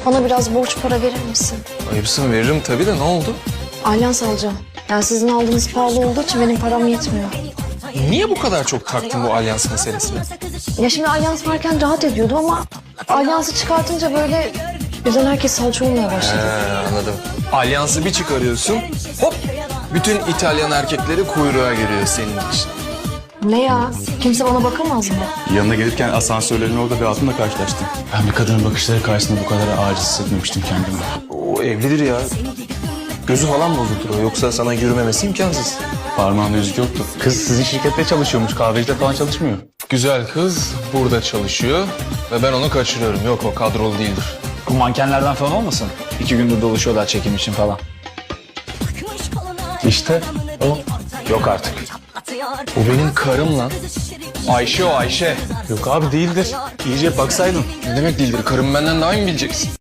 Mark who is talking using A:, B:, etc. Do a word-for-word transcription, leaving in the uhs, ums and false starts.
A: Bana biraz borç para verir misin?
B: Ayıpsın, veririm tabii de ne oldu?
A: Alyans alacağım. Yani sizin aldığınız pahalı olduğu için benim param yetmiyor.
B: Niye bu kadar çok taktın bu alyans meselesine?
A: Ya şimdi alyans varken rahat ediyordu ama alyansı çıkartınca böyle birden herkes salça olmaya
B: He,
A: başladı.
B: anladım. Alyansı bir çıkarıyorsun, hop! Bütün İtalyan erkekleri kuyruğa giriyor senin için.
A: Ne ya? Kimse bana bakamaz mı?
C: Yanına gelirken asansörlerin orada bir hatunla karşılaştım. Ben bir kadının bakışları karşısında bu kadar aciz hissetmemiştim kendimi.
B: O evlidir ya. Gözü falan bozuldur o, yoksa sana yürümemesi imkansız.
C: Parmağında yüzük yoktu. Kız sizin şirkette çalışıyormuş, kahvecide falan çalışmıyor.
B: Güzel kız burada çalışıyor ve ben onu kaçırıyorum. Yok, o kadrolu değildir.
D: Bu mankenlerden falan olmasın? İki gündür dolaşıyorlar çekim için falan.
C: İşte o.
D: Yok artık.
B: O benim karım lan. Ayşe o, Ayşe.
C: Yok abi değildir. İyice baksaydın.
B: Ne demek değildir? Karım benden daha iyi mi bileceksin?